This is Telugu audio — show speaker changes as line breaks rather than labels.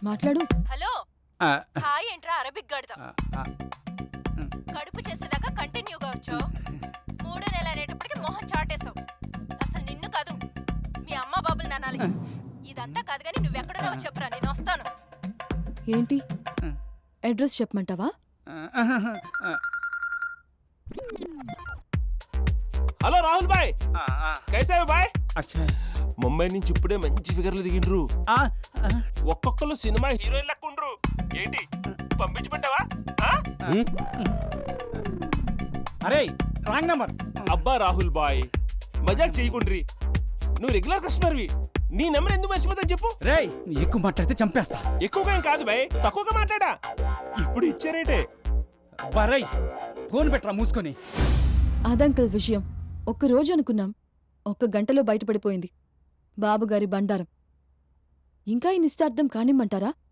మాట్లాడు.
హలో హాయ్ ఏంట్రా అరబిక్ గడదాం కడుపు చేసేదాకా కంటిన్యూగా వచ్చావు. 3వ నెల అనేటప్పటికి మొహం చాటేశావు. అసలు నిన్ను కాదు మీ అమ్మ బాబులు నానాలి. ఇదంతా కాదు కానీ నువ్వెక్కడున్నావో చెప్పురా, నేను వస్తాను.
ఏంటి అడ్రస్ చెప్పమంటావా?
హలో రాహుల్ బాయ్, కైసా హై బాయ్?
అచ్చా
ముంబై నుంచి ఇప్పుడే మంచి ఫిగర్లు దిగిండ్రు. ఒక్కొక్కరు సినిమా హీరోయిన్ లెక్క ఉండ్రు. ఏంటి పంపించమంటావా?
అరే రాంగ్ నంబర్.
అబ్బా రాహుల్ బాయ్, మజాక్ చేయకుండ్రి. నువ్వు రెగ్యులర్ కస్టమర్వి, నీ నెంబర్ ఎందుకు మర్చిపోతావు చెప్పు.
రేయ్ ఎక్కువ మాట్లాడితే చంపేస్తా.
ఎక్కువగా ఏం కాదు బాయ్, తక్కువగా మాట్లాడా. ఇప్పుడు ఇచ్చారేటే.
అబ్బా రేయ్ ఫోన్ పెట్టరా మూసుకొని.
అదంకల్ విషయం ఒక్కరోజు అనుకున్నాం, 1 గంటలో బయటపడిపోయింది. బాబుగారి బండారం. ఇంకా ఈ నిశ్చార్థం కానిమ్మంటారా?